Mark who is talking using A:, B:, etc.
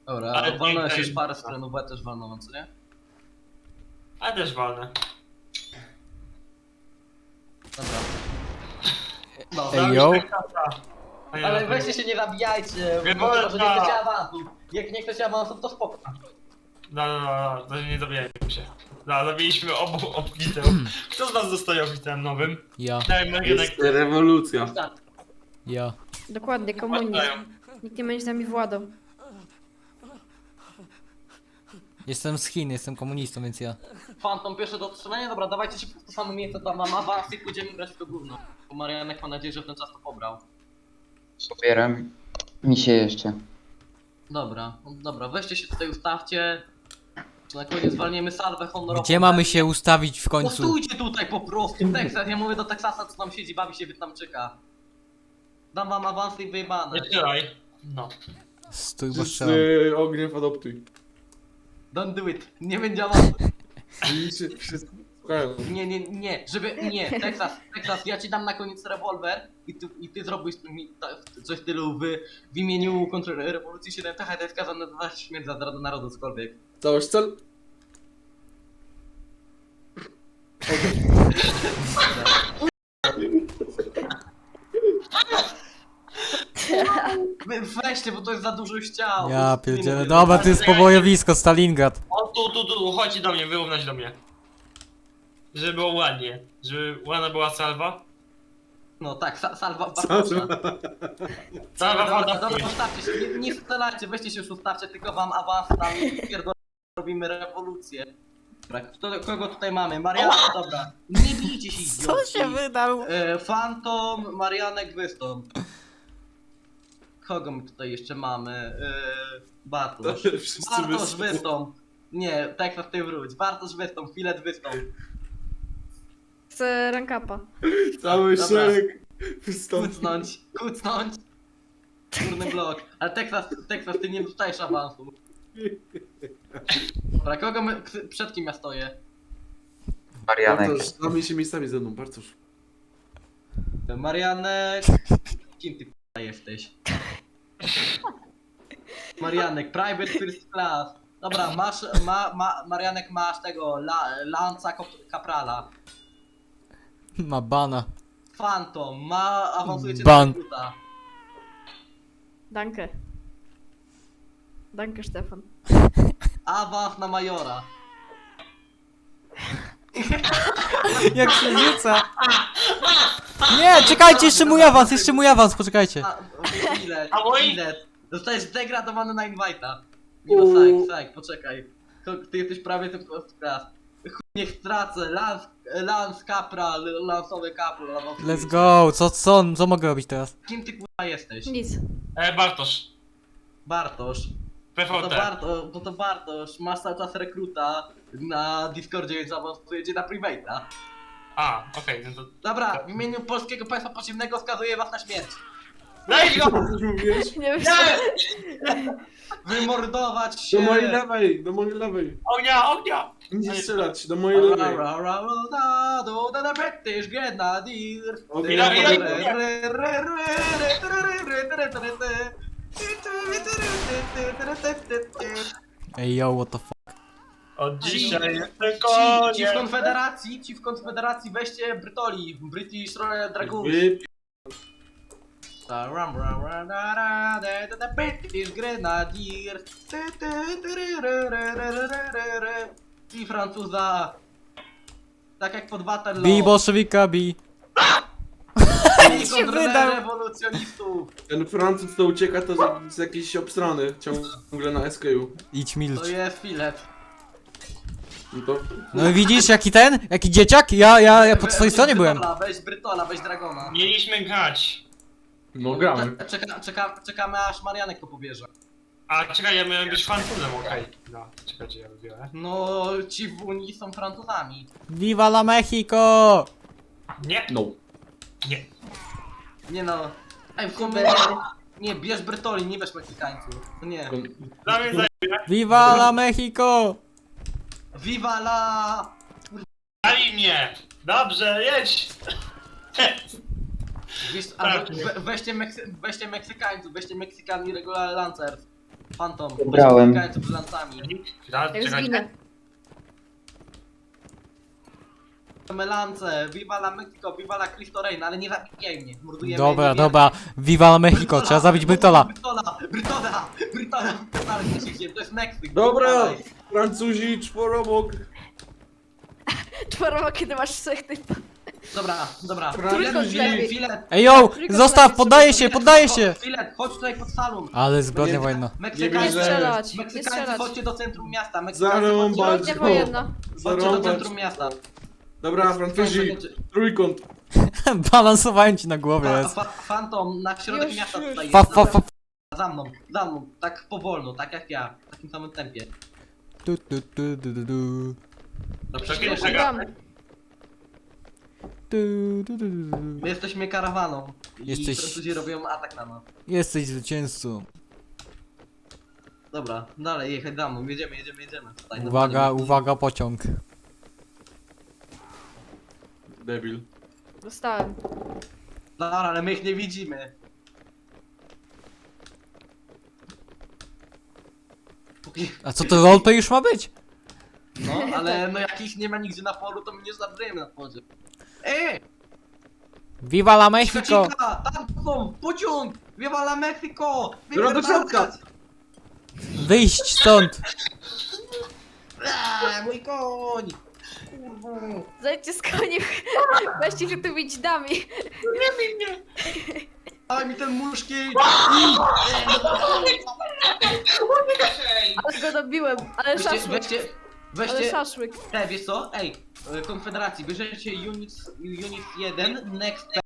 A: Dobra,
B: Ale
A: wolno się
B: nie,
A: już parę stron, bo ja też wolno, co nie?
B: Ale też walne.
A: Dobra. No,
C: Ej, yo.
A: ale weźcie się nie zabijajcie,
B: Nie
A: bo
B: wolno.
A: że nie chcecie awansów. Jak nie chcecie awansów, to spoko.
B: No, to nie zabijajmy się. No, zabiliśmy obu obitę. Kto z nas zostaje obitem nowym?
C: Ja,
B: Daj Marionek.
D: Jest rewolucja.
C: ja.
E: Dokładnie, komunizm. Nikt nie będzie z nami władał.
C: Jestem z Chin, jestem komunistą, więc ja.
A: Phantom pierwsze do otrzymania, dobra, dawajcie się w to samo miejsce, tam mam awans i pójdziemy grać w to gówno. Bo Marianek ma nadzieję, że w ten czas to pobrał.
F: Pobieram mi się jeszcze.
A: Dobra, no dobra, weźcie się tutaj ustawcie. Czy na koniec zwalniemy salwę honorową.
C: Gdzie mamy się ustawić w końcu?
A: Postójcie tutaj po prostu, Teksas, ja mówię do Teksasa, co tam siedzi, bawi się Wietnamczyka. Dam wam awans i wyjebane.
B: Nie strzelaj. No.
C: Stój, bo
D: Z
C: strzelam.
D: ogniem adoptuj.
A: Don't do it, nie będzie awansu.
D: Wszyscy słuchają.
A: Nie, żeby, nie, Teksas, ja ci dam na koniec rewolwer i ty zrobisz mi coś w stylu w imieniu kontrrewolucji 7 TH, to jest skazane na śmierć za zdradę narodu, cokolwiek.
D: Całość cel?
A: Weźcie, bo to jest za dużo ściał.
C: Ja pierdzielę. Dobra, to jest pobojowisko, Stalingrad.
B: O, tu, chodź do mnie, wyrównać do mnie. Żeby było ładnie. Żeby ładna była salwa.
A: No tak, salwa Bartosza.
B: Salwa
A: Dobra,
B: woda.
A: ustawcie się, nie strzelajcie, weźcie się już ustawcie, tylko wam awans tam i robimy rewolucję. Dobra, kogo tutaj mamy? Mariana, dobra. Nie bijcie się, idiotki.
C: wydał?
A: Phantom, Marianek, Wystąp. Kogo my tutaj jeszcze mamy? Bartosz.
D: Wszyscy
A: Bartosz, Wystąp. Nie, Teksas, ty wróć. Bartosz, Wystąp, Filet, Wystąp.
E: Chcę rankapa.
D: Cały
A: Dobra.
D: szereg wystąpi.
A: Kucnąć. Górny blok. Ale Teksas, ty nie dostajesz awansu. Dobra, kogo my, przed kim ja stoję?
F: Marianek.
D: Bartosz, zamień się miejscami ze mną, Bartosz.
A: Marianek. Kim ty k***a jesteś? Marianek, private first class. Dobra, masz, Marianek, masz tego, Lanza Caprala.
C: Ma bana.
A: Phantom, awansujecie
C: Ban.
A: do rekruta.
E: Danke. Danke, Stefan.
A: Awans na majora.
C: Jak się rzuca? Nie, czekajcie, jeszcze mój awans, poczekajcie.
A: Ile?
B: A mój?
A: Ile? Zostajesz zdegradowany na invite'a. Nie no, sajk, poczekaj. Ty jesteś prawie ten class. Chuj, niech stracę, Lance Capral, lansowy Capral.
C: Let's go, co mogę robić teraz?
A: Kim ty k***a jesteś?
E: Nic.
B: Bartosz.
A: Bartosz. No to,
B: PVT.
A: to Bartosz, masz cały czas rekruta na Discordzie, więc awansujecie na private'a.
B: A, okej, no to...
A: Dobra, w imieniu Polskiego Państwa Podziemnego skazuję was na śmierć.
B: Daj go!
D: Co ty mówisz?
E: Nie wiem,
A: Wymordować się!
D: Do mojej lewej, do mojej lewej.
B: Ognia!
D: Nie strzelać, do mojej lewej.
A: The British Grenadiers.
D: Okej,
C: Ej, yo, what the fuck?
B: Od dzisiaj jestem
A: Ci w
B: koniem.
A: Konfederacji weźcie Brytoli, British Royal Dragoons. The British Grenadiers. I Francuza. Tak jak pod Waterloo.
C: Bij bolszewika, bij.
A: I
C: się wydał.
A: rewolucjonistów.
D: Ten Francuz to ucieka, to jest jakiś obstrany, ciągle na SKU.
C: Idź milcz.
A: To jest filet.
D: No to...
C: No i widzisz, jaki dzieciak? Ja po twojej stronie byłem.
A: Weź Brytola, weź Dragona.
B: Mieliśmy grać.
D: No gramy.
A: Czekamy aż Marianek to pobierze.
B: A czekaj, ja miałem być Francuzem, okej. No, czekajcie, ja wybiorę.
A: No, ci w Unii są Francuzami.
C: Viva la Mexico!
B: Nie,
D: No.
B: nie.
A: Nie no. Ej, w sumie nie, bierz Brytoli, nie bierz Meksykańców. To nie.
B: Dla mnie zajmie.
C: Viva la Mexico!
A: Viva la...
B: Dali mnie! Dobrze, jedź!
A: Weźcie Meksykańców, weźcie Meksykami regular Lancers. Phantom,
F: Wybrałem.
A: z brzylancami.
E: Jak zginę.
A: Melance, viva la Mexico, viva la Cristo Reign, ale nie zabijaj mnie, mordujemy.
C: Dobra,
A: nie
C: dobra. Viva la Mexico, trzeba zabić Brytola.
A: Brytola, to jest Meksyk.
D: Dobra! Francuzi, czworobok.
E: Czworowo, kiedy masz trzech typów.
A: Dobra.
D: Francuzi.
A: Filet,
C: Ej, yo! Zostaw, poddaję się!
A: Filet, chodź tutaj pod salon.
C: Ale zbrodnia
D: Nie-
C: wojenna.
E: Nie
A: Meksykańcy,
E: strzelać, nie
A: Meksykańcy,
E: strzelać.
A: chodźcie do centrum miasta.
D: Zarąbać.
E: Zbrodnia wojenna.
A: Chodźcie do
D: Zarąbać.
A: centrum miasta.
D: Dobra, Francuzi, trójkąt.
C: Balansowałem ci na głowie, jest.
A: Fantom, na środek
E: Już,
A: miasta
E: już.
A: tutaj
C: Fa,
A: jest.
C: fa, fa.
A: Za mną, tak powolno, tak jak ja, w takim samym tempie.
C: Tu, tu, tu, tu, tu, tu.
B: Dobrze,
E: Już
B: czego?
E: dam.
C: Tu, tu, tu, tu, tu.
A: My jesteśmy karawaną i
C: Jesteś-
A: Francuzi robią atak na nas.
C: Jesteś zwycięzcą.
A: Dobra, dalej, jechać za mną, jedziemy. Tutaj,
C: Uwaga,
A: normalnie.
C: uwaga, pociąg.
D: Debil.
E: Dostałem.
A: Dobra, ale my ich nie widzimy. Póki...
C: A co to roleplay już ma być?
A: No, ale no jak ich nie ma nigdzie na polu, to my nie zabrujemy na wodzie. Ej!
C: Viva la Mexico!
A: Cika, tam są, pociąg! Viva la Mexico!
D: Dobra, do środka.
C: Wyjść stąd!
A: Mój koń! Kurwa!
E: Zejdźcie z koni. Weźcie się tu bić dami.
A: Daj mi ten muszki!
E: Ale go dobiłem. Ale szaszłyk. Ale
A: Weźcie,
E: szaszłyk.
A: wiesz co? Ej, Konfederacji, bierzecie unit 1, next